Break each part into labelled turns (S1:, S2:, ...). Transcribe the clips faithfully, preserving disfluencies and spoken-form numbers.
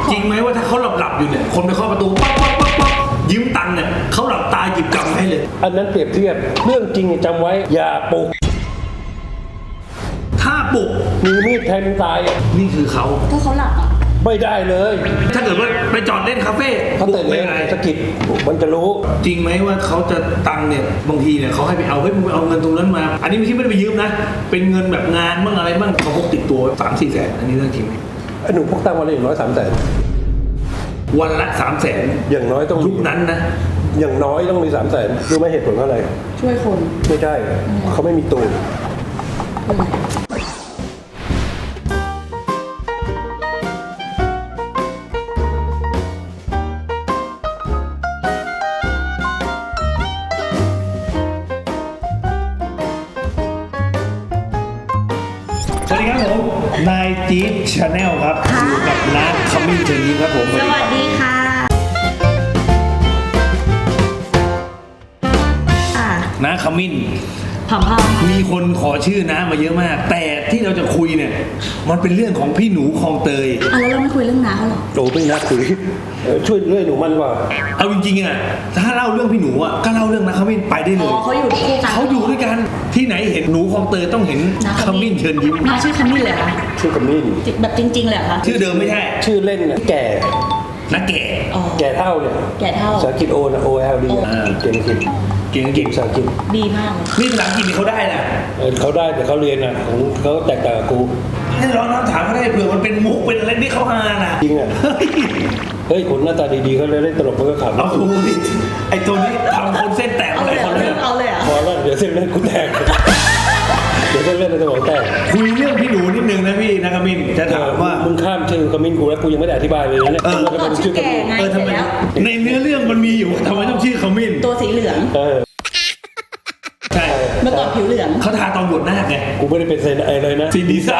S1: จริงไหมว่าถ้าเขาหลับหลับอยู่เนี่ยคนไปเคาะประตูป๊อกป๊อกป๊อกป๊อกยืมตังค์เนี่ยเขาหลับตาหยิบกำให้เลย
S2: อันนั้นเปรียบเทียบเรื่องจริงจำไว้อย่าปลุก
S1: ถ้าปลุก
S2: มีมีดแทงตาย
S1: นี่คือเขา
S3: ถ้าเขาหลับอ่ะ
S2: ไม่ได้เลย
S1: ถ้าเกิดว่าไปจอดเล่นคาเฟ่
S2: เขาตื่นเลยสะกิดมันจะรู้
S1: จริงไหมว่าเขาจะตังเนี่ยบางทีเนี่ยเขาให้ไปเอาเฮ้ยมึงไปเอาเงินตรงนั้นมาอันนี้ไม่ใช่ไม่ได้ไปยืมนะเป็นเงินแบบงานบ้างอะไรบ้างเขาพกติดตัวสามสี่แสนอันนี้เรื่องจริงไหม
S2: ไอ้หนูพกตังวันละอย่างน้อยสามแสน
S1: วันละสามแสน
S2: อย่างน้อยต้อง
S1: ยุคนั้นนะ
S2: อย่างน้อยต้องมีสามแสนรู้ไหมเหตุผลอะไร
S3: ช่วยคน
S2: ไม่ใช่เขาไม่มีตูน
S1: สวัสดีครับผมนายจี๊ดชาแนลครับอยู่กับน้าขมิ้นเชิญยิ้มครับผม
S3: สวัสดีค่ะ
S1: น้าขมิ้น
S3: ผอมๆ
S1: มีคนขอชื่อน้ามาเยอะมากแต่ที่เราจะคุยเนี่ยมันเป็นเรื่องของพี่หนูคลองเตย
S3: อ่ะแล้วเราไม่คุยเรื่องน้าเขาหรอ
S2: โอ้ไม่นักคุยช่วยเรื่องหนูมันว่า
S1: เอาจริงๆอ่ะถ้าเล่าเรื่องพี่หนูอ่ะก็เล่าเรื่องน้าขมิ้นไปได้เลย
S3: อ๋อเขาอยู่คู่กัน
S1: เขาอยู่ด้วยกันที่ไหนเห็นหนูคลองเตยต้องเห็นขมิ้นเชิญยิ้ม
S3: น้าชื่อขมิ้นเลยเหรอ
S2: ชื่อขมิ้น
S3: แบบจริงๆเลยเหรอคะ
S1: ชื่อเดิมไม่ใช่
S2: ชื่อเล่นนะแก่
S1: นักแก่
S2: แก่เท่าเนี่ย
S3: แก่เท่า
S2: ภาษาอังกฤษโอนะ O L D เก่งจริง
S1: เก่งเก่ง
S2: ภาษาอังกฤษ
S3: ดีมาก
S1: นี่ภาษาอังกฤษเขาได้นะ
S2: เขาได้แต่เขาเรียนอ่ะของเขาแตกต่างกับกู
S1: ให้ร้องน้ำถามเขาได้เผื่อมันเป็นมุกเป็นอะไรที่เขาฮาน่ะ
S2: จริงอ่ะเฮ้ยคนหน้าตาดีๆเขาเลยเล่นตลกมันก็ขำ
S1: เอาดูดิไอ้ตัวนี้ทำคนเส้นแตกอะไรคน
S3: เลยเอาเลยอ่ะ
S2: พอแล้วเดี๋ยวเส้นเล่นกูแตกเดี๋ยวเส้นเล่นในสมองแตก
S1: คุยเรื่องพี่หนูนิดนึงนะพี่นะกมินจะถามว่า
S2: มึงข้ามชื่อกมินกูแล้วกูยังไม่ได้อธิบายเลยนะเนี่ย
S3: เออชื่อแกไง
S1: เออทำไมในเนื้อเรื่องมันมีอยู่ทำไมต้องชื่อกมิน
S3: ตัวสีเหลือง
S2: เออ
S1: ใช่
S3: เมื่อก่อนผิวเหลือง
S1: เขาทาตอนบวชหน้าไง
S2: กูไม่ได้เป็นเซนอะไรเลยนะ
S1: ซีดีซ่า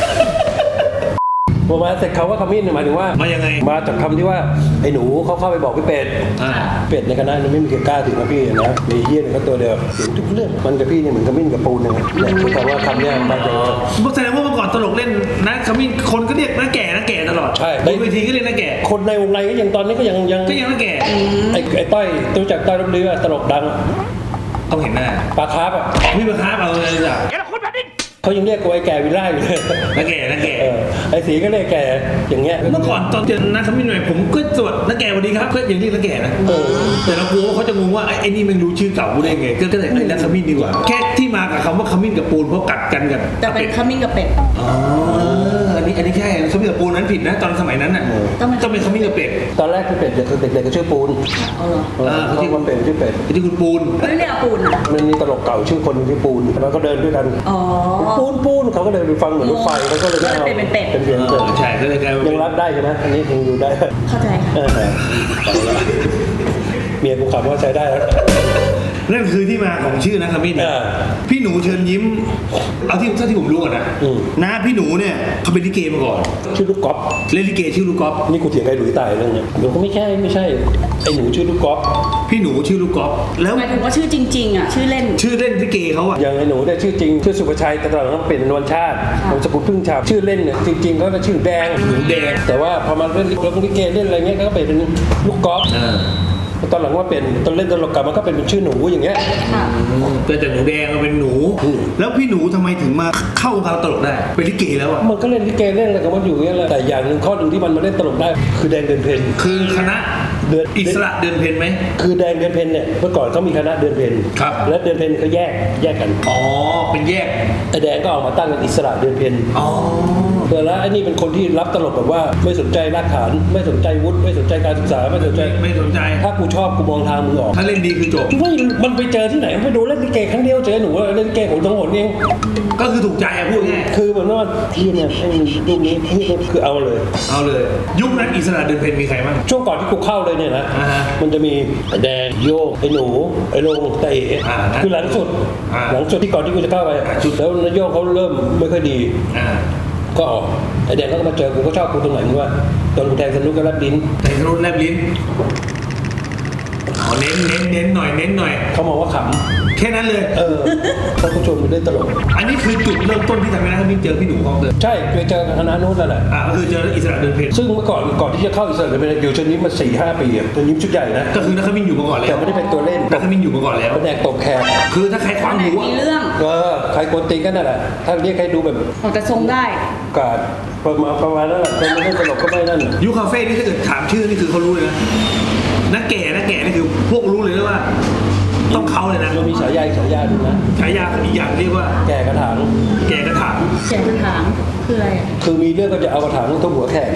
S2: พอมาเสร็จเขาว่าขมิ้นหมายถึงว่า
S1: มายังไง
S2: มาจากคำที่ว่าไอ้หนูเขาเข้าไปบอกพี่เป็ดเป็ดในคณะนั้นไม่มีใครกล้าถึงนะพี่นะมีเฮี้ยนเขาตัวเดียวถึงทุกเรื่องมันกับพี่เนี่ยเหมือนขมิ้นกับปูนเนี่ยคือคำว่าคำเนี้ยมาจาก
S1: แสดงว่าเมื่อก่อนตลกเล่นนะขมิ้นคนก็เรียกน้าแก่น้าแก่ตลอด
S2: ใช่
S1: บนเวทีก็เรียกน้าแก่
S2: คนในวงในก็ยังตอนนี้ก็ยังยัง
S1: ก็ยังน้าแก่
S2: ไอ้ไอ้ต้อยรู้จักต้อยรบเรือตลกดัง
S1: ต้องเห็นหน้า
S2: ปลาคาร์ฟอ่ะ
S1: พี่ปลาคาร์ฟเอาเลยจ้ะ
S2: เขายังเรียกกูไอ้แก่วิลล่าอยู่เลย
S1: นักแก่นักแก่
S2: ไอ้สีก็เรียกแก่อย่างเงี้ย
S1: เมื่อก่อนตอนเจอนักขมิ้นหน่อยผมก็สวัสดีนักแก่สวัสดีครับก็อย่างนี้นักแก่นะแต่เรากลัวว่าเขาจะงงว่าไอ้นี่มันรู้ชื่อเก่ากูได้ไงก็เลยไอ้นักขมิ้นดีกว่าแค่ที่มากับคำว่าขมิ้นกับปูนเพราะกัดกันกัน
S3: แต่เป็นขมิ้นกับเป็ด
S1: อ๋ออันนี้อันนี้แค่ขมิ้นกับปูนนั้นผิดนะตอนสมัยนั้นน่ะต้องเป็นขมิ้นกับเป็ด
S2: ตอนแรกคือเป็ดเด็กเด็กก็ชื่อปูน
S3: อ๋อเหรอ
S2: เขาชื่อว่าเป็ดชื่อเป็ด
S1: ที่คุณปูน
S3: ไม่เรียกปูน
S2: มันมีตลกเก่าชื่อคนชื่อปูนแล้วก็เดินด้วยกัน
S3: อ๋อ
S2: ปูนปูนเขาก็เลยไปฟังเหมือนรถไฟแล้วก็เลย
S3: เอาเป็นเป็ด
S2: เป็นเสียงเป็ด
S1: ใช่ก็เลยกลาย
S2: ยังรับได้ใช่ไหมอันนี้ยังอยู่ได้
S3: เข้าใจค่ะ
S2: เมียกูขับว่าใช้ได้แล้ว
S1: นั่นคือที่มาของชื่อนะขมิ้นพี่หนูเชิญยิ้มเอาที่ถ้าที่ผมรู้ก่อนนะนะพี่หนูเนี่ยเขาเป็นลิเกมาก่อน
S2: ชื่อลูกก๊อฟ
S1: เล่นลิเกชื่อลูกก๊อฟ
S2: นี่กูเถียงไอ้หลุยตายเรื่องนี้เดี๋ยวก็ไม่ใช่ไม่ใช่ไอ้หนูชื่อลูกก๊อฟ
S1: พี่หนูชื่อลูกก๊อฟ
S3: แล้วหมายถึงว่าชื่อจริงๆอ่ะชื่อเล่น
S1: ชื่อเล่นลิเกเขาอ่ะ
S2: อย่างไอ้หนูเนี่ยชื่อจริงชื่อสุภชัยแต่ตอนหลังเปลี่ยนเป็นวันชาตินามสกุลพึ่งชาชื่อเล่นเนี่ยจริงๆเขาจะชื่อแดง
S1: หนูแดง
S2: แต่ว่าพอมาเล่นลิเกเล่นอะไรเงี้ยก็เปลี่ยนเป็นลูกก๊อฟตอนหลังว่าเป็นตอนเล่นตลกกลับมันก็เป็นชื่อหนูอย่างเงี้ย
S1: แต่จากหนูแดงมาเป็นหนูแล้วพี่หนูทำไมถึงมาเข้าวงการตลกได้เป็นลิเกแล้วอ่ะ
S2: มันก็เล่นลิเกเล่นอะไรกับมันอยู่เงี้ยแหละแต่อย่างหนึ่งข้อหนึ่งที่มันมาเล่นตลกได้คือแดงเดือนเพ็ญ
S1: คือคณะ
S2: เดือน
S1: อิสระเดือนเพ็ญไหม
S2: คือแดงเดือนเพ็ญเนี่ยเมื่อก่อนเขามีคณะเดือนเพ็ญ
S1: ครับ
S2: และเดือนเพ็ญเขาแยกแยกกัน
S1: อ๋อเป็นแยก
S2: ไอ้แดงก็ออกมาตั้งเป็นอิสระเดือนเพ็ญ
S1: อ๋อ
S2: แต่แล้วไอ้นี่เป็นคนที่รับตลกแบบว่าไม่สนใจรากฐานไม่สนใจวุฒิไม่สนใจการศึกษาไม่สนใจ
S1: ไม่สนใจ
S2: ถ้ากูชอบกูมองทางมึงออก
S1: ถ้าเล่นดีคือจบ
S2: ไม่มันไปเจอที่ไหนไปดูเล่นลิเกครั้งเดียวเจอหนูเล่นลิเกของทั้งหมดเอง
S1: ก็คือถูกใจอะพูดง่าย
S2: คือเหมือนว่าที่เนี่ยไอ้รูปนี้ที่คือเอาเลย
S1: เอาเลยยุคนั้นอิสระเดือนเพ็ญมีใครบ้าง
S2: ช่วงก่อนที่กูเข้าเลยเนี่ยนะมันจะมีไอ้แดงโยกไอ้หนูไอ้ลงไอ้เอ๋คือหลังสุดหลังสุดที่ก่อนที่กูจะเข้าไปแล้วนายโยกเขาเริ่มไม่ค่อยดีก็ออกไอ้แดงก็มาเจอกูก็ชอบกูตรงไหนมึงว่าตอนกูแทงสนุกก็แลบลิ้น
S1: แทงสนุกแลบลิ้นอ๋อเน้นเน้นเน้นหน่อยเน้นหน่อย
S2: เขามองว่าข
S1: แค่นั้นเลย
S2: ำเออท่านผู้ชมมันได้ตลก
S1: อันนี้คือจุดเริ่มต้นที่ทำให้นักมินเจอพี่หนูคลองเตย
S2: ใช่ไปเจอคณะนู้นแล้วแหละ
S1: อ่าก็คือเจออิสระเดินเพล
S2: ซึ่งเมื่อก่อนก่อนที่จะเข้าอิสระเดินเพลอยู่ชนิดมาสี่ห้าปีอะชนิดชุดใหญ่นะ
S1: ก็คือนักมินอยู่มาก่อนแล้ว
S2: แต่ไม่ได้เป็นตัวเล่น
S1: นักมินอยู่มาก่อนแล้ว
S2: แผนกตกแขก
S1: คือถ้าใครคว้าง
S3: ไหน
S1: หู
S3: มีเรื่อง
S2: เออใครกวนตีนกันนั่นแหละถ้าเรียกใครดูแบบ
S3: ออกแต่ทรงได้
S2: กาดประมาณประมาณนั้นแหละคนไม่ได้ตลกก็ไม่นั่น
S1: ยูคาเฟ่นี่ถ้าเกิดถามชื่อนี่คือเขารู้เลยนะนักแก่นักแก่นี่คือพวกรู้เลยนะว่า ต้องเขาเลยนะ
S2: เรามีฉายาอีกฉายาหนึ่งนะ
S1: ฉายาอีกอย่างเรียกว่า
S2: แก่กระถาง
S1: แก่กระถาง
S3: เสียงกระถางคืออะไรอ่ะ
S2: คือมีเรื่องก็จะเอากระถางทุบหัวแขก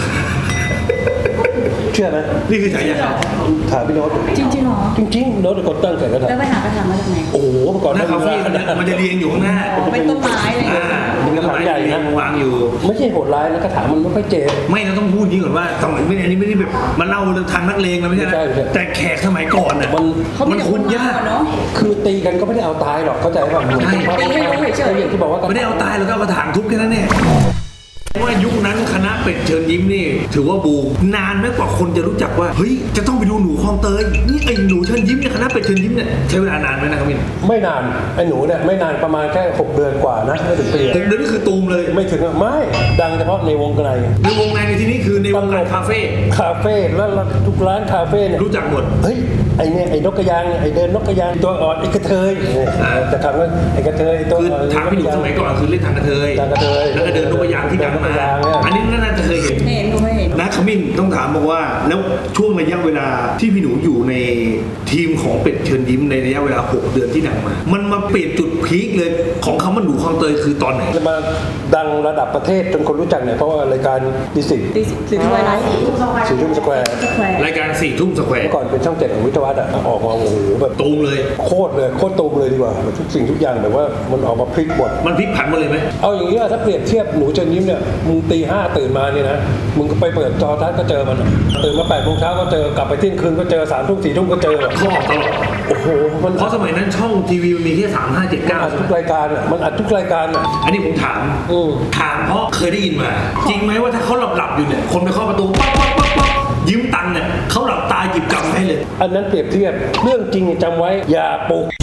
S2: เชื่อไหม
S1: นี่คือฉายาเขา
S2: ถามพี่โน้ต
S3: จริงๆเหรอ
S2: จริงๆโน้ตเป็นคนตั้งแขกกระถาง
S3: แล้วไปหากระถางมาจากไหน
S2: โอ้โหเมื่อก่อน
S1: หน้าคาเฟ่
S2: ขนาด
S1: มันจะเรียงอยู่ข้างหน้า
S3: อ๋อเป็นต้นไม้อะไรอย่าง
S1: อ่า
S3: เงี้ย
S1: เป็นกระถางใหญ่นะวางอยู่
S2: ไม่ใช่โหดร้ายนะกระถางมันไม่ค่อยเจ็บ
S1: ไม่เราต้องพูดนี้ก่อนว่าสมัยไม่อันนี้ไม่ได้แบบมาเล่าเรื่องทางนักเลงแล้วไม่ใช่นะ
S2: ไม่ใช่ไม่ใช่
S1: แต่แขกสมัยก่อนน่ะ
S2: มัน
S3: เขามี
S1: มัน
S3: แต่
S1: คุ
S3: คน
S1: ณยาก
S3: เนาะ
S2: คือตีกันก็ไม่ได้เอาตายหรอกเข้าใจป่ะเหมือน
S1: ใช่
S3: ตีให้รู้เฉยๆ
S2: อย่างที่บอกว่า
S1: ไม่ได้เอาตายแล้วก็เอากระถางทุบแค่นั้นเนี่ยว่ายุคนั้นคณะเป็ดเชิญยิ้มนี่ถือว่าบูมนานมากกว่าคนจะรู้จักว่าเฮ้ยจะต้องไปดูหนูคลองเตยนี่ไอ้หนูเชิญยิ้มเนี่ยคณะเป็ดเชิญยิ้มเนี่ยใช้เวลานานไหมนะครับมิน
S2: ไม่นานไอ้หนูเนี่ยไม่นานประมาณแค่หกเดือนกว่านะไม่ถึงปี
S1: ผมเดี๋ยวนี้คือตูมเลย
S2: ไม่ถึงอะไม่ดังเฉพาะในวงใน
S1: ในวงในในที่นี้คือในวงการคาเฟ่
S2: คาเฟ่แล้วทุกร้านคาเฟ่เนี่ย
S1: รู้จักหมด
S2: เฮ้ยไอเนี่ยไอ้นกกระยางเนี่ยไอเดินนกกระยางตัวอ่อนไอกระเทยเนี่ย
S1: อ่า
S2: จะถามว่าไอกระเทยตัว
S1: คือ
S2: อ่อน
S1: ทางพี่หนูสมัยก่อนคือเล่นทางกระเทย
S2: ทางกระเทย
S1: แล้วก็เดินนกกระยางที่ดังมา
S2: เดินนกกระยางเนี่ย
S1: อันนี้น่าจะเคยเห็น
S3: เห็นดูไม่เห็น
S1: นะขมิ้นต้องถามบอกว่าแล้วช่วงระยะเวลาที่พี่หนูอยู่ในทีมของเป็ดเชิญยิ้มในระยะเวลาหกเดือนที่ดังมา มันมาเปลี่ยนจุดพีคเลยของคำว่าหนูคลองเตยคือตอนไหน
S2: จะมาดังระดับประเทศจนคนรู้จักเนี่ยเพราะว่ารายการดิสิต
S3: ตีสีทวายไลท์
S2: สีชุ่มสแควร์
S3: สแควร์
S1: รายการสี่ทุ่มสแควร์
S2: เมื่อก่อนเป็นช่องเจ็ดของวิทยาวัฒน์อะออกมาโอ้โหแบบ
S1: ตูมเลย
S2: โคตรเลยโคตรตูมเลยดีกว่าแบบทุกสิ่งทุกอย่างแบบว่ามันออกมาพลิกหมด
S1: มันพลิกผันหมาเลยไหม
S2: เอาอย่างนี้ว่าถ้าเปรียบเทียบหนูเจนยิ้มเนี่ยมึงตีห้าตื่นมาเนี่ยนะมึงก็ไปเปิดจอทัศน์ก็เจอมันอะตื่นมาแปดโมงเช้าก็เจอกลับไปเที่ยงคืนก็เจอสามทุ่มสี่ทุ่มก็เจอ
S1: เขาออกตลอด
S2: โอ้โหมัน
S1: เพราะสมัยนั้นช่องทีวีมันมีแค่สามห้าเจ็ด
S2: มัน
S1: เก้า
S2: อัดทุกรายการอ่ะมันอัดทุกรายการอ่ะ
S1: อันนี้ผมถาม
S2: อืม
S1: ถามเพราะเคยได้ยินมา จริงไหมว่าถ้าเขาหลับหลับๆอยู่เนี่ยคนไปเคาะประตูป๊อกป๊อกป๊อกป๊อกยืมตังค์เนี่ยเขาหลับตาหยิบกำให้เลย
S2: อันนั้นเปรียบเทียบเรื่องจริงจำไว้อย่าปลุก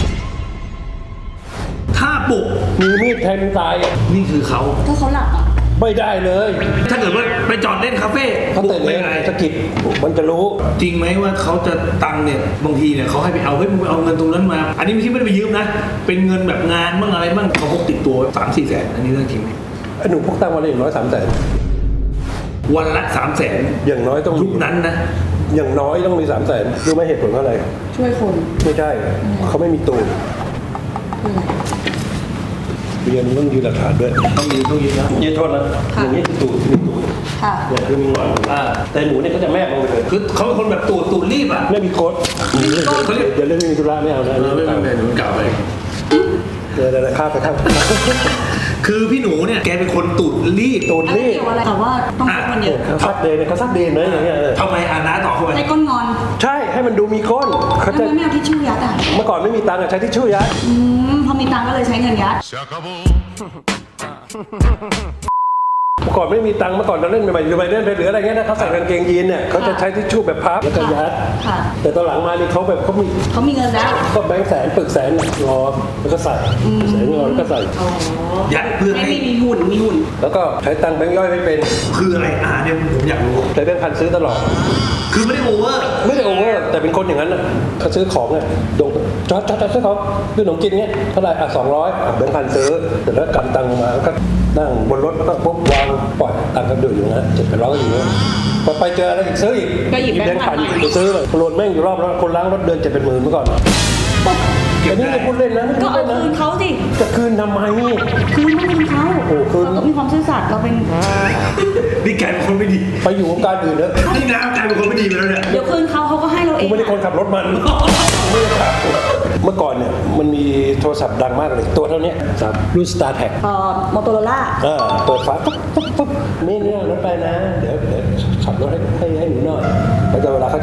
S1: ถ้าปลุก
S2: มีมีดแทงตายอะ
S1: นี่คือเขา
S3: ถ้าเขาหลับอ่ะ
S2: ไม่ได้เลย
S1: ถ้าเกิดว่าไปจอดเล่นคาเฟ่
S2: เขา
S1: ปลุ
S2: ตื่
S1: ก
S2: น
S1: ไม่
S2: เลย
S1: ไง
S2: สะกิดมันจะรู้
S1: จริงไหมว่าเขาจะตังค์เนี่ยบางทีเนี่ยเขาให้ไปเอาเฮ้ยมึงไปเอาเงินตรงนั้นมา อันนี้ไม่ใช่ไม่ได้ไปยืมนะ เป็นเงินแบบงานบ้างอะไรบ้างเขาพกติดตัวสามสี่แสนอันนี้เรื่องจริงไหม
S2: ไอ้หนูพวกตั้งวันละอย่างน้อยสามแสน
S1: วันละสามแสน
S2: อย่างน้อยต้อง
S1: ยุคนั้นนะ
S2: อย่างน้อยต้องมีสามแสนรู้ไหมเหตุผลเพราะอะไร
S3: ช่วยคน
S2: ไม่ใช่เขาไม่มีตูน
S3: คืออะไร
S2: เรียนต้องยืนหลักฐานด้วย
S1: ต้องยืมต้องยืมนะ
S2: ยืนโทษนะอย่างนี้คือตูนมีตูน
S3: ค่ะ
S2: เนี่ยคือมีหงอน
S1: อ่า
S2: แต่หนูเนี่ยก็จะแมบลงไปเลย
S1: คือเขาเป็นคนแบบตูดตูดรีบอ่ะ
S2: ไม่มีโค้ดเดี๋ยวเรื่องไม่มีธุระไม่เอานะ
S1: เออไม่เป็นไรหนูกล่าวไป
S2: เดี๋ยวเดี๋ยวข้ามไปข้าม
S1: คือพี่หนูเนี่ยแกเป็นคนตูดรีบ
S2: ตูน
S3: อะไร
S2: นี่
S3: เกี่ยวอะไรแต่ว่าต้องช่วยคนเยอะ
S2: เขาซัดเดนเขาซัดเดนนะอย่างเงี้ย
S1: ทำไมอานาต่อเข้าไป
S3: ให้ก้นงอน
S2: ใช่ให้มันดูมีก้นเขา
S3: ทำ
S2: จะ
S3: ไมไม่เอาทิชชู่ยัดอ่ะ
S2: เมื่อก่อนไม่มีตังค์อะใช้ทิชชู่ยัด
S3: อืมพอมีตังค์ก็เลยใช้เงินยัด
S2: เมื่อก่อนไม่มีตังค์เมื่อก่อนเราเล่นใหม่ๆหรือไปเล่นไปหรืออะไรเงี้ยนะเขาใส่กางเกงยีนเนี่ยเขาจะใช้ทิชชู่แบบพับแล้วก็ยัด
S3: ค่ะ
S2: แต่ตอนหลังมานี่เขาแบบเขามี
S3: เขามีเงินแล้ว
S2: ก็แบงค์แสนปึกแสนรอแล้วก็ใส่แสนรอแล้วก็ใส่
S3: อ๋อ
S1: ยัดเพื่อ
S3: ไม่
S1: ให้
S3: มีมีหุ่นมีหุ่น
S2: แล้วก็ใช้ตังค์แบงค์ย่อยไม่เป็น
S1: คืออะไรอ่าเนี่ยผมอยากรู้
S2: ใช้แบงค์พันซื้อตลอด
S1: คือไม่ได้โอเวอร์
S2: ไม่ได้โอเวอร์แต่เป็นคนอย่างนั้นน่ะเขาซื้อของเนี่ยดงจอดจอดจอดซื้อของซื้อขนมกินเงี้ยเท่าไหร่อ่ะสองร้อยแบงค์พันซื้อเสร็จแล้วกำตังค์มาแล้วก็นั่งบนรถแล้วก็ปุ๊บวางปล่อยตังค์ก็เดือดอยู่นะเจ็ดแปดร้อยก็อยู่นะพอไปเจออะไรอีกซื้ออีก
S3: ก็หยิบแบงค์พัน
S2: ไปซื้อเลยโลนแม่งอยู่รอบแล้วคนล้างรถเดินเจ็ดเป็นหมื่นเมื่อก่อนแต่นี่ไม่พูดเล่นนะไม่
S3: ก็
S2: พูด
S3: เอา
S2: เล่น
S3: คืน
S2: นะ
S3: เขาสิ
S2: จะคืนทำไม
S3: คืนต้องคืนเขา
S2: โอ้คืน
S3: เราก็มีความซื่อสัตย์เราเป็น
S1: นี่กลายเป็นคนไม่ดี
S2: ไปอยู่วงการอื่นเถอะ
S1: นี่น้ำกลายเป็นคนไม่ดีไปแล้วเนี่ย
S3: เดี๋ยวคืนเขาเขาก็ให้เราเอ
S2: กู
S3: ง
S2: ไม่ได้คนขับรถมันไม่ได้ขับเมื่อก่อนเนี่ยมันมีโทรศัพท์ดังมากเลยตัวเท่านี้ครับรุ่น Star Tag
S3: เอ่อมอโตโรล่า
S2: เออเปิดฝาปุ๊บปุ๊บปุ๊บนี่เนี่ยรถไปนะ เดี๋ยวเดี๋ยวขับรถให้ให้ให้หนูหน่อยแล้วจะเวลาเขาจะอ้อน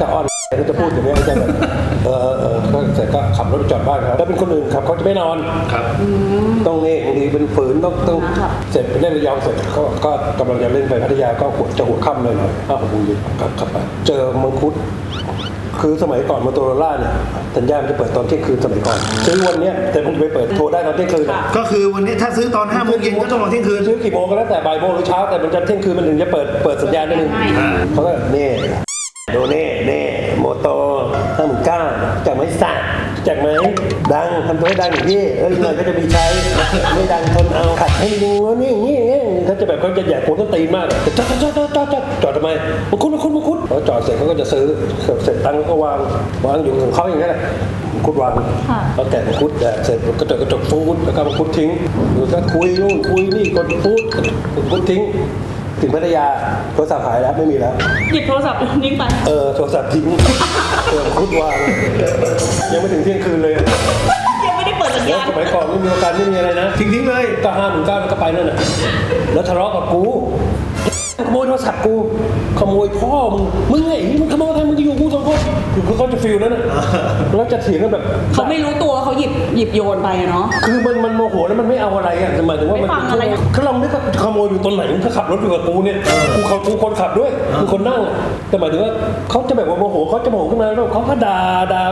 S2: ก็จะพูดอย่างนี้จะแบบเออเออก็เสร็จก็ขับรถไปจอดบ้านเขาแล้วเป็นคนอื่นขับเขาจะไม่นอน
S1: ครับ
S2: ต้องนี่บางทีเป็นฝืนต้องต้องเสร็จไปเล่นระยองเสร็จก็ก็กำลังจะเล่นไปพัทยาก็หัวจะหัวค่ำเลยหน่อยห้าหกโมงเย็นกลับขับไปเจอมังคุดคือสมัยก่อนมอเตอร์โรล่าเนี่ยสัญญาณมันจะเปิดตอนเที่ยงคืนสมัยก่อนซื้อวันเนี้ยแต่ผมจะไปเปิดโทรได้ตอนเที่ยงคืน
S1: ก็คือวันนี้ถ้าซื้อตอนห้าโมงเย็นก็ต้องรอเที่ยงคืน
S2: ซื้อกี่โมงก็แล้วแต่บ่ายโมงหรือเช้าแต่มันจะเที่ยงคืนมันถึงจะเปิดเปิดสัญญาณได้หนึ่งเขาก็เน่โดเน่เน่โมโตห้าหมื่นเก้าจากไหมสักจากไหมดังทำตัวให้ดังอย่างที่เอ้ยเงินก็จะมีใช้ไม่ดังทนเอาขัดให้ดูนี่อย่างนี้อย่างนี้เขาจะแบบเขาจะแย่โคตรตีนมากจอดจอดจอดจอดจอดจอดทำไมมาคุดมาคุดมาคุดพอจอดเสร็จเขาก็จะซื้อเสร็จตังค์ก็วางวางอยู่ของเขาอย่างนี้แหละคุดวางแล้วแกะคุดเสร็จกระจกกระจกฟูดแล้วก็มาคุดทิ้งดูก็คุยนู่นคุยนี่กดฟูดคุดทิ้งถึงพัทยาโทรศัพท์หายแล้วไม่มีแล้ว
S3: หยิบโทรศัพท์นิ่งไป
S2: เออโทรศัพท์ทิ้งเออคุดวางยังไม่ถึงเที่ยงคืนเลย
S3: ยังไม่ได้เปิดสัญ
S2: แล้ว
S3: ญาณ
S2: สมัยก่อนไม่มีประกันไม่มีอะไรนะ
S1: ทิ้งทิ้งเลย
S2: ก็ห้าหมื่นเก้าแล้วก็ไปนั่นน่ะแล้วทะเลาะกับกูขโมยโทรศัพท์กูขโมยพ่อมึงมึงไงมึงขโมยใครมึงจะอยู่กูสองคนคือเขาจะฟิลนั้นน่ะแล้วจะเถียงกันแบบ
S3: เขาไม่รู้ตัวว่าเขาหยิบหยิบโยนไปอะเนาะ
S2: คือมันมันโมโหแล้วมันไม่เอาอะไรอ่ะหมายถึงว่ามัน
S3: ไม่ฟังอะไร
S2: คือเราไม่ได้ขโมยอยู่ตรงไหนมึงก็ขับรถอยู่กับกูเนี่ยกูเขากูคนขับด้วยกูคนนั่งแต่หมายถึงว่าเขาจะแบบว่าโมโหเขาจะโมโหขึ้นมาแล้วเขาก็ด่าด่า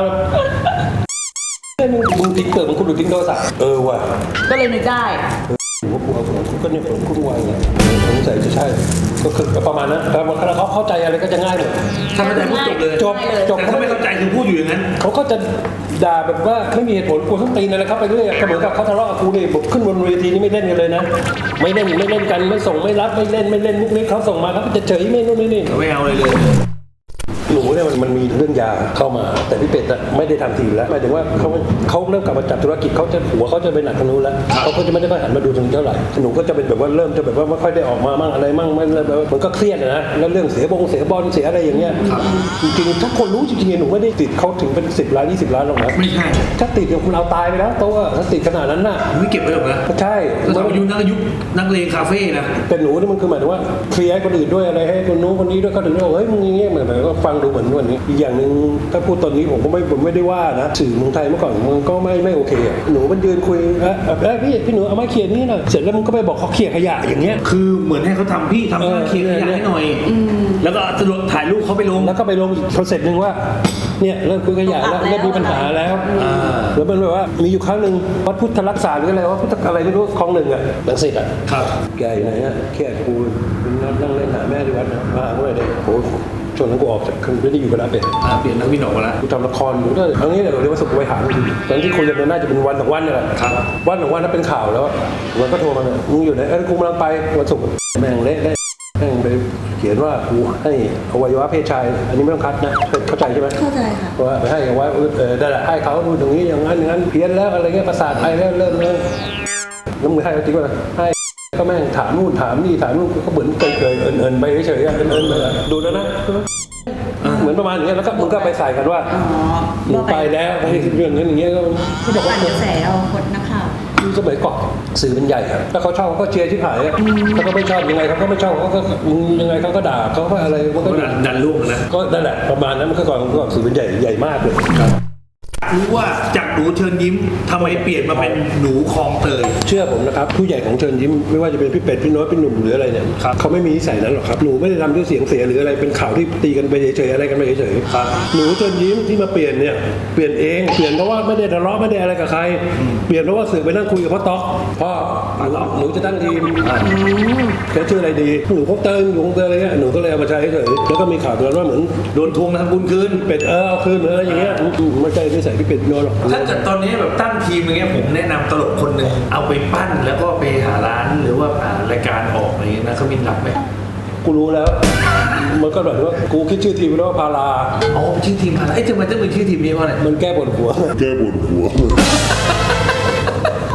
S2: มึงมึงทิ้งเปิดมึงคุณดูทิ้งโทรศัพท์เออว่ะ
S3: ก็เลยนึกได้
S2: ผมว่ากูเอาผมก็เนี่ยผมคุณวางเนี่ยสงสัยจะใช่ก็คือประมาณนั้นแต่ว่าเขาเข้าใจอะไรก็จะง่ายหมด
S1: ถ้าเข้าใจพูดจบเลย
S2: จบจบ
S1: แต่ถ้าไม่เข้าใจคือพูดอยู่อย่างนั้น
S2: เขาก็จะด่าแบบว่าไม่มีเหตุผลกูต้องตีนอะไรครับไปเรื่อยก็เหมือนกับเขาทะเลาะกับกูนี่ผมขึ้นบนเวทีนี่ไม่เล่นกันเลยนะไม่เล่นไม่เล่นกันไม่ส่งไม่รับไม่เล่นไม่เล่นมุกนี้เขาส่งมาเขาก็จะเฉยไม่นู่นไม่นี่
S1: ไม่เอาเลยเลย
S2: หนูเนี่ยมันมันมีเรื่องยาเข้ามาแต่พี่เป็ดอะไม่ได้ทำทีแล้วหมายถึงว่าเขาเขาเริ่มกลับมาจับธุรกิจเขาจะหัวเขาจะไปหนักทางนู้นแล้วเขาก็จะไม่ได้ค่อยหันมาดูตรงนี้เท่าไหร่หนูก็จะเป็นแบบว่าเริ่มจะแบบว่าไม่ค่อยได้ออกมามั่งอะไรมั่งไม่แบบมันก็เครียดนะแล้วเรื่องเสียบงเสียบอลเสียอะไรอย่างเงี้ยจริงๆถ้าคนรู้จริงๆหนูไม่ได้ติดเขาถึงเป็นสิบล้านยี่สิบล้านหรอกนะ
S1: ไม่ใช่
S2: ถ้าติดเนี่ยคุณเอาตายไปแล้วตัวถ้าติดขนาดนั้นน่ะ
S1: ไม่เก็บไว้หรอกนะ
S2: ใช่
S1: แล้วอายุนักอายุนักเลงคาเฟ่นะ
S2: แต่หนูนี่มันคือหมายถึงว่าเคลียร์ให้คนอื่นด้วยอะไรให้คนนู้นคนนี้ด้วยเขาถึงได้บอกเฮ้ยมึงอย่างเงี้ยเหมือนแบบก็ฟังดูเหมือนวันนี้อีกอย่างหนึ่งถ้าพูดตอนนี้ผมก็ไม่ผมไม่ได้ว่านะสื่อเมืองไทยเมื่อก่อนมันก็ไม่ไม่โอเคอะหนูมันยืนคุยเอ๊ะเอ๊ะพี่พี่หนูเอามาเคลียร์นี่หน่อยเสร็จแล้วมึงก็ไปบอกเขาเคลียร์ขยะอย่างเงี้ย
S1: คือเหมือนให้เขาทำพี่ทำ
S2: เออ
S1: เคลียร์ขยะให้หน่อยแล้วก็สรุปถ่ายรูปเขาไปลง
S2: แล้วก็ไปลงอีกโปรเซสหนึ่งว่าเนี่ยเริ่มคุยขยะแล้วเริ่มมีปัญหาแล้วแล้วมันแบบว่ามีอยู่ครั้งหนึ่งวัดพุทธรักษาหรืออะไรว่าพุทธอะไรไม่รู้คลองหนึ่งอ่ะลังสิตอ่ะ
S1: ครับ
S2: แกอยู่ไหนอ่ะแค่กูนั่งเล่นหาแม่ที่วัดนะมาหาเมื่อไหร่เด็กโอ้ช่วงนั้นกูออกจากไม่ได้อยู่กับน้าเป็ด
S1: อ่าเปลี่ยนนักวินออกมาแล้ว
S2: กูทำละครอยู่ด้วยครั้งนี้เนี่ยเราเรียกว่าสุขไว้หางตอนที่คุยกันมันน่าจะเป็นวันสองวันนี่แหละ
S1: ครับ
S2: วันสองวันนั้นเป็นข่าวแล้ววันก็โทรมามึงอยู่ไหนเอ้ยกูกำลังไปวันศุกร์แม่งเละได้แม่งไปเขียนว่ากูให้อวัยวะเพศชายอันนี้ไม่ต้องคัดนะเข้าใจใช่ไหม
S3: เข้าใจค่ะ
S2: ว่าไปให้อวัยวะเออได้แหละให้เขาดูตรงนี้อย่างนั้นอย่างนั้นเพี้ยนแล้วอะไรเงี้ยประสาทไปแล้วเริ่มเริ่มแล้วมึงให้เขาจริงป่ะให้ก็แม่งถามนู่นถามนี่ถามนู่นก็เหมือนเกยเกยเอินเอินไปเฉยๆเอินเอินไปดูแล้วนะเหมือนประมาณอย่างเงี้ยแล้วก็มึงก็ไปใส่กันว่า
S3: อ๋อ
S2: หนูไปแล้วไปเรื่องนั้นอย่างเงี้ยก็
S3: ที่บอกว่าเดี๋ยวแสเอาคนนักข่าว
S2: คือสมัยก่อนสื่อมันใหญ่อะถ้าเขาชอบเขาก็เชียร์ที่หายอะถ้าเขาไม่ชอบยังไงเขาก็ไม่ชอบเขาก็ยังไงเขาก็ด่าเขาก็อะไรมันก็
S1: ก็ดันดันลูกนะ
S2: ก็นั่นแหละประมาณนั้นมันก็ก่อนก่อนสื่อมันใหญ่ใหญ่มากเลย
S1: รู้ว่าจากหนูเชิญยิ้มทำไมเปลี่ยนมาเป็นหนูคลองเตย
S2: เชื่อผมนะครับผู้ใหญ่ของเชิญยิ้มไม่ว่าจะเป็นพี่เป็ดพี่โน้ตพี่หนุ่มหรืออะไรเนี่ย
S1: ครับ
S2: เขาไม่มีนิสัยนั้นหรอกครับหนูไม่ได้ทำด้วยเสียงเสียหรืออะไรเป็นข่าวที่ตีกันไปเฉยๆอะไรกันไปเฉย
S1: ครับ
S2: ๆหนูเชิญยิ้มที่มาเปลี่ยนเนี่ยเปลี่ยนเองเปลี่ยนเพราะว่าไม่ได้ทะเลาะไม่ได้อะไรกับใครเปลี่ยนเพราะว่าสื่อไปนั่งคุยกับพ่อต๊อกพ่อหนูหนูจะตั้งทีมแกชื่ออะไรดีหนูพบเติมอยู่คงเติมอะไรเงี้ยหนูก็เลยเอามาใช้เฉยๆแล้วก็มีข่าวตอนนั้นว่าเหมือน
S1: โดนทวงทำบุญคืน
S2: เป็ดเออเอาคืนเหมือนอะไรอย่างเงี้ยไม่ใช่นิสัยพี่เป็ดพี่โน้ตหรอก
S1: ถ้าเกิดตอนนี้แบบตั้งทีมอย่างเงี้ยผมแนะนำตลกคนหนึ่งเอาไปปั้นแล้วก็ไปหาร้านหรือว่าหารายการออกอะไรเงี้ยนะเขามินรับไหม
S2: กูรู้แล้ว มันก็แบบว่ากูคิดชื่อทีมไว้ว่าพารา
S1: อ๋อชื่อทีมอะไรเอ้ยทำไมต้องเป็นชื่อทีมนี้เพราะอะไร
S2: มันแก้ปวดหัว
S4: แก้ปวดหัว
S1: แ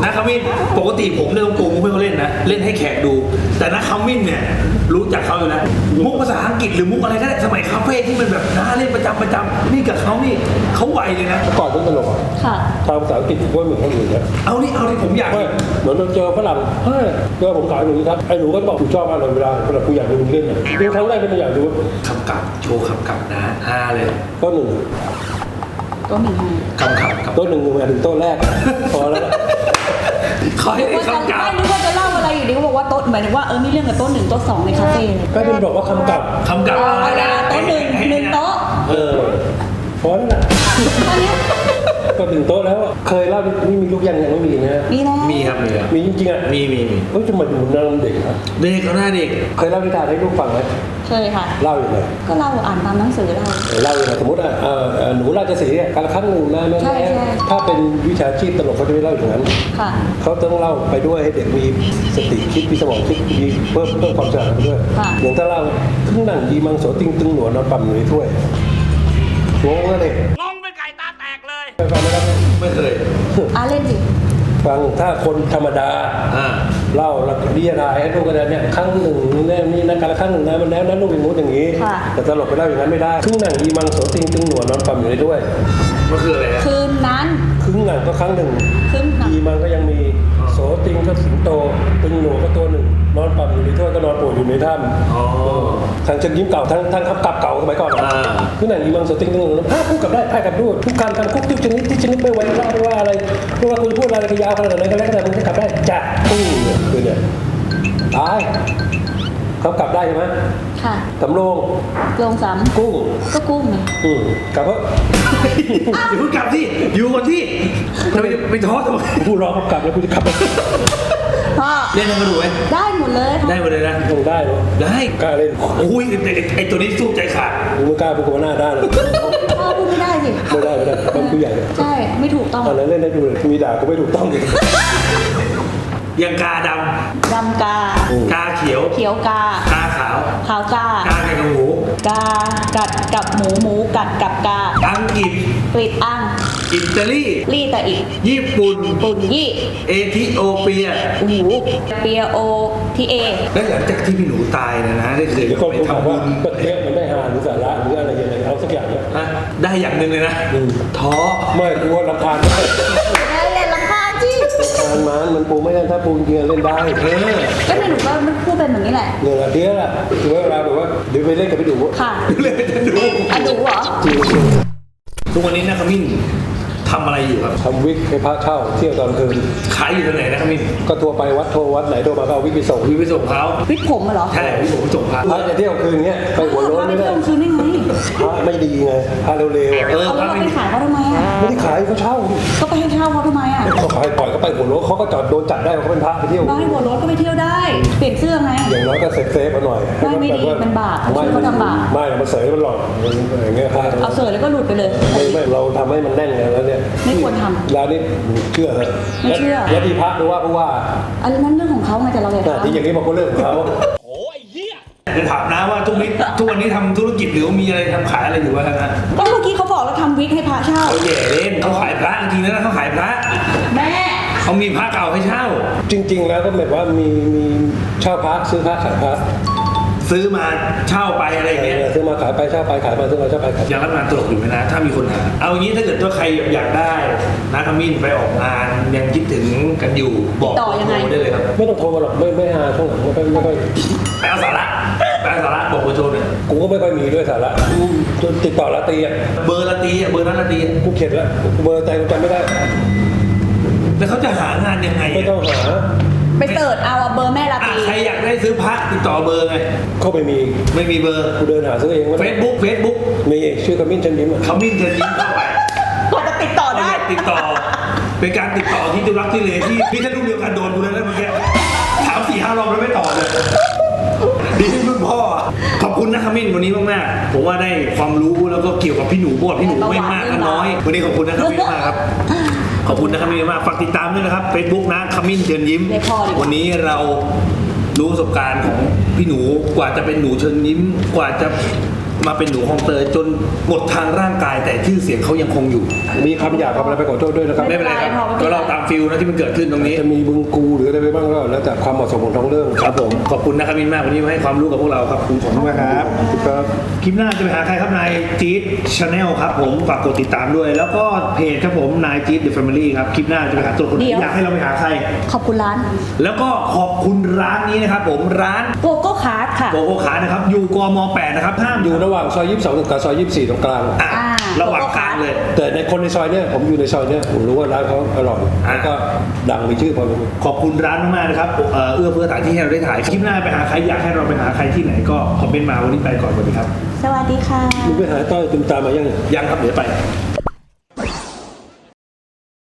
S1: นะขมิ้นปกติผมเนี่ยต้องปูมุกให้เขาเล่นนะเล่นให้แขกดู แต่นะขมิ้นเนี่ยรู้จักเขาอยู่นะมุกภาษาอังกฤษหรือมุกอะไรก็ได้สมัยคาเฟ่ที่มันแบบน่าเล่นประจำประจำนี่กับเขานี่เขาไวเลยนะ
S2: ก่อนเรื่องตลกอ่ะ
S3: ค่ะ
S2: ทางภาษาอังกฤษก็เหมือนคนอื่นนะ
S1: เอานี่เอานี่ผมอยาก
S2: ไม่เหมือนเราเจอฝรั่งเฮ้ยเจอผมขายหนูครับไอ้หนูก็บอกกูชอบมากเลยเวลาเวลากูอยากดูมึงเล่นอ่ะดูครั้งแรกก็ไม่อยากดู
S1: คำกลับโชว์คำกลับนะฮาเลย
S2: ก็หนึ่ง
S3: ก็หนึ่งให้
S1: คำกลับครับ
S2: โต๊ะหนึ่งมาถึงโต๊ะแรกพอแล้ว
S1: ขอให้ได้
S3: ว่าจะ
S1: คำกลับ
S3: ไม่นึกว่าจะเล่าอะไรอยู่ดีเขาบอกว่าโต๊ะหมายถึงว่าเออมีเรื่องกับโต๊ะหนึ่งโต๊ะสองในคาเฟ่
S2: ก็เป็นบอกว่าคำกลับ
S1: คำกลับ
S3: เอา
S1: อะไร
S3: ละ
S1: นะ
S3: โต๊ะหนึ่งหนึ่งโต๊ะ
S2: เออพอแล้วนะ
S3: ตอนนี้
S2: ก็ถึงโต๊ะแล้วอะเคยเล่านี่มีลูกยังยังไม่มีนะ
S3: มีแล้ว
S1: มีครับมีครับ
S2: มีจริงๆอ่ะ
S1: มีมีมี
S2: เฮ้ยจะมาดูนางเด็กนะ
S1: เด็กเขาหน้าเด็ก
S2: เคยเล่านิทานให้ลูกฟังไหม
S3: เคยค่ะ
S2: เล่าอย่างไร
S3: ก็เล่าอ่านตามหนังสือเรา
S2: เล่าอย่างไรสมมติอ่ะเอ่อเอ่อหนูราชสีห์อ่ะการละครั้งหนึ่งนะแม่
S3: ใช่ใช่
S2: ถ้าเป็นวิชาชีพตลกเขาจะไม่เล่าอย่างนั้น
S3: ค่ะ
S2: เขาต้องเล่าไปด้วยให้เด็กมีสติคิดมีสมองคิดมีเพิ่มเพิ่มความฉลาดไปด้วย
S3: ค่ะ
S2: อย่างถ้าเล่าขึ้นหนังดีมังโสติงตึงหนวดนอนปั่มอยู่ในถ้วยงงเลย
S1: งงเป็นไก่ตาแตกเลย
S2: ไปฟังไหมครับ
S1: ไม่เคย
S3: อ่ะเล่นสิ
S2: ฟังถ้าคนธรรมดา
S1: อ่า
S2: เล่าแล้วก็เรียรายให้ลูกกันเนี่ยครั้งหนึ่งเนี่ยนี่นะการละครั้งหนึ่งนะมันแล้วนั้นลูกเป็นมูดอย่างนี้ แต่ตลกไปเล่าอย่างนั้นไม่ได้ครึ่งหนังดีมังโสติงตึงหนวดนอนปั่มอยู่ในถ้วย
S1: มันคืออะไรฮะ
S3: คืนนั้น
S2: ครึ่งหนังก็ครั้งหนึ่ง
S3: ครึ่งหนัง
S2: ดีมันก็ยังมีโสติงก็สิงโตตึงหนูก็ตัวหนึ่งนอนปั่มอยู่ในถ้วยก็นอนป่วยอยู่ในถ้ำ
S1: อ๋อ
S2: ทางเชิงยิ้มเก่าทั้งทั้งขับกลับเก่าสมัยก่อน
S1: อ่า
S2: คือหนังดีมังโสติงตึงหนูภาพพูดกับได้ภาพกับดูทุกคำคำคุกทุกชนิดที่ชนิดไม่ไว้เล่าไม่ว่าอะไรไม่ว่าคุณพูดอะไรก็ยาวขนาดไหนก็แล้วแต่มึงจะกลับได้จ้ะปุ้งเนี่ยคือเนี่ยตายเขากลับได้ใช่ไหม
S3: ค่ะ
S2: สำโรง
S3: ลงสาม
S2: กุ้ง
S3: ก็กุ้งไง
S2: อืมกลับเพราะ
S1: อย่าเพิ่งกลับที่อยู่ก่อนที่ทำไมไปท้อทำไม
S2: กูรอเขากลับแล้วกูจะกลับ
S3: พ่อ
S1: เล่นให้มาดูไหม
S3: ได้หมดเลยค่ะ
S1: ได้หมดเลยนะ
S2: คงได้เหรอ
S1: ได้
S2: กล้าเล่น
S1: โอ้ยไอ้ไอ้ไอ้ตัวนี้สู้ใจขาด
S2: มึงไม่กล้าพูดกับหน้าด้านเลย
S3: พ่อพูดไม่ได้สิ
S2: ไม่ได้ไม่ได้เป็นผู้ใหญ่เลย
S3: ใช่ ไม่ถูกต้อง
S2: ตอนนั้นเล่นได้ดูเลยมีด่าก็ไม่ถูกต้องเลย
S1: ยังกาด
S3: ดำกา
S1: ำกาเขียว
S3: เขียวกา
S1: กาขาว
S3: ขาวกา
S1: กาไก่กับหมู
S3: กา กัดกับหมูหมูกัดกับกา
S1: อังกฤษ
S3: กรีดอัง
S1: อิตาลี
S3: ลี่ตะอีก
S1: ญี่ปุ่น
S3: ปุ่นยี่
S1: เอธิโอเปีย
S3: หูเปียโอทีเอ
S1: และหลังจากที่พี่หนูตายเนี่ยนะได้เคย
S2: เดี๋ยวก็
S1: ไป
S2: ผมถาม
S1: ทำบุ
S2: ว่า
S1: ญ
S2: ประเทศมันไม่หาหรือสาระหรืออะไรยังไงเอาสักอย่างเนี่ย
S1: ฮะได้อย่างหนึ่งเลยนะท้อ
S2: ไม่กลัวลำพานไม่
S3: เล่นลำพานจี
S2: ลำพานมันมันปูไม่ได้ถ้าปูจริงๆเล่นได้เออ
S3: ก็ในหนูก็พูดเป็นแบบนี้แหละ
S2: เนี่ยแหละเดี๋ยวละถือว่าเวลาแบบว่าเดี๋ยวไปเล่นกับพี่ดู
S3: ค่ะ
S1: เลยจะดู
S3: อ่ะหนูเหรอ
S1: ทุกวันนี้นะขมิ้นทำอะไรอยู่ครับ
S2: ทำวิกให้พระเช่าเที่ยวตอนคืน
S1: ขายอยู่ที่ไหนนะขมิ้น
S2: ก็ทัวร์ไปวัดโทรวัดไหนโทรมาก็เอาวิกไปส่ง
S1: วิไปส่งเขา
S3: วิทย์ผมอะเหรอ
S1: ใช่พี่ผมไปส่งพระ
S2: พระจะเที่ยวคืนเงี้ยไปหัวโล้นไม่ได้
S3: พาปเที่ยวคืนได้ไง
S2: พระไม่ดีไงพระเร็วๆอะ
S1: เออ
S3: เอา
S1: พ
S3: แล้
S1: ระ
S3: วเรา
S1: ไม่
S3: ไป
S1: มี
S3: ขายเขาทำไมอะ
S2: ไม่ได้ขายเขาเช่า
S3: ก็ไปให้เช่าเขาทำไมอะ
S2: เขาขายปล่อยก็ไปหัวโล้นเขาก็จอดโดนจับได้เขาเป็นพระไปเที่ยว
S3: บ้านหัวรถก็ไปเที่ยวได้ เปลี่ยนเสื้อไง
S2: อย่างน้อยก็เซฟเซฟๆมาหน่อย
S3: ไม่ไม่ดีมันบาป
S2: ไม่
S3: เขาทำบาป
S2: ไม่มันเสยมันหลอกอย่างเงี้ยพระ
S3: เอาเสือแล้วก็หลุดไปเลย
S2: ไม่ไม่เราทำให้มันแน่นไงแล้วเนี่ย
S3: ไม่ควรทำ
S2: แล้วนี่เชื่อเหรอ
S3: ไม่เชื่อ
S2: แล้วที่พระหรือว่าเพราะว่า
S3: อันนั้นเรื่องของเขาไงแต่เราอย่า
S2: แต่ที่อย่างนี้มันก็เรื่องของเขา
S1: จะถามนะว่าทุกนี้ทุกวันนี้ทำธุรกิจหรือว่ามีอะไรทำขายอะไรอยู่วะนะ
S3: ก็เมื่อกี้เขาบอกเราทำวิกให้พระเช่า
S1: เขาแย่เล่นเขาขายพระจริงๆแล้วเขาขายพระ
S3: แม่
S1: เขามีพระเก่าให้เช่า
S2: จริง ๆ แล้วก็แบบว่ามีมีเช่าพระซื้อพระขายพระ
S1: ซื้อมาเช่าไปอะไรอย่างเงี้ย
S2: ซื้อมาขายไปเช่าไปขายมาซื้อมาเช่าไปขาย
S1: ยังรับงานตลกอยู่ไหมนะ ถ้ามีคนหาเอาอย่างนี้ถ้าเกิดว่าใครอยากได้นะขมิ้นไปออกงานยังคิดถึงกันอยู่บอก
S3: ติดต่อยังไง
S1: โทรได้เลยครับ
S2: ไม่ต้องโทรมาหรอกไม่ไม่หาช่วงหลังไม่ค่อยไม่ค่อย
S1: ไปเอาสาระไปเอาสาระบอกเบอร์โทรหน่อย
S2: กูก็ไม่ค่อยมีด้วยสาระจนติดต่อละตีอ่ะ
S1: เบอร์ละตีอะเบอร์นั้นละตีอะ
S2: กูเข็ดแล้วเบอร์ใจกูจำไม่ได้
S1: แล้วเขาจะหางานยังไง
S2: ไม่
S1: อะ
S2: ต้องหา
S3: ไปเสิร์ชเอาอะเบอร์แม่ลา
S1: อ่ะ
S3: ตี
S1: ใครอยากได้ซื้อพระติดต่อเบอร์ไง
S2: เข้าไปมี
S1: ไม่มีเบอร์
S2: กูเดินหาซื้อเองไม่
S1: เฟ
S2: ได้
S1: ซบุ๊กเฟซบุ๊ก
S2: มีชื่อขมิ้นเชันยิ้มอะ
S1: ขมิ้นเชิญยิ้มเข้าไป
S3: กว่าจะติดต่อได้
S1: ติดต่อ เป็นการติดต่อที่จะรักที่เลที่พี่ถ้าลูกเดียวกันโดนกูแล้วนะเมื่อกี้ถามสี่ห้ารอบแล้วไม่ตอบเลยดีที่มึงพ่อขอบคุณนะขมิ้นวันนี้มากๆผมว่าได้ความรู้แล้วก็เกี่ยวกับพี่หนูบอดพี่หนูไม่มากก็น้อย วันนี้ขอบคุณนะขมิ้นมากครับขอบคุณนะขมิ้นมากฝากติดตามด้วยนะครับเฟซบุ๊กนะขมิ้นเชิญยิ้ม
S3: ได้พอดีกว่า
S1: วันนี้เรารู้ประสบการณ์ของพี่หนูกว่าจะเป็นหนูเชิญยิ้มกว่าจะมาเป็นหนูคลองเตยจนหมดทางร่างกายแต่ชื่อเสียงเขายังคงอยู่
S2: มีคำหยาบคำอะไรไปขอโทษด้วยนะครับ
S1: ไม่เป็นไรครับ
S3: ไม่เป็นไร
S1: ก็เราตามฟิลนะที่มันเกิดขึ้นตรงนี้
S2: จะมีบึงกูหรืออะไรไปบ้างก็แล้วแต่ความเหมาะสมของท้องเรื่อง
S1: ครับผมขอบคุณนะครับมินมากวันนี้มาให้ความรู้กับพวกเราครับขอบคุณมากครับ
S2: ครับ
S1: คลิปหน้าจะไปหาใครครับนายจี๊ดชาแนลครับผมฝากกดติดตามด้วย แล้วก็เพจครับผมนายจี๊ดเดอะแฟมิลี่ครับคลิปหน้าจะไปหาตัวคนไหน
S3: เดี๋ยว
S1: อยากให้เราไปหาใคร
S3: ขอบคุณร้าน
S1: แล้วก็ขอบคุณร้านนี้นะครับผมร้าน
S3: โกโก้คาร์ดค่ะ
S1: โกโก้ขานะครับอยู่กมแปดนะครับห้าม
S2: อยู่ระหว่างซอยยี่สิบสองกับซอยยี่สิบสี่ตรงกลาง
S1: อ่ะ
S3: อ่า
S1: ระหว่างกลางเลย
S2: แต่ในคนในซอยเนี่ยผมอยู่ในซอยเนี่ยผมรู้ว่าร้านเขาอร่อย
S1: อ่า
S2: แล้วก็ดังมีชื่อพอรู้
S1: ขอบคุณร้านมากๆนะครับเอ่อเอื้อเฟื้อสถานที่ให้เราได้ถ่ายคลิปหน้าไปหาใครอยากให้เราไปหาใครที่ไหนก็คอมเมนต์มาวันนี้ไปก่อนสวัสดีครับ
S3: สวัสดีค่ะ
S2: มึงไปหาต้อยตุมตามมายัง
S1: ยังครับเดี๋ยวไป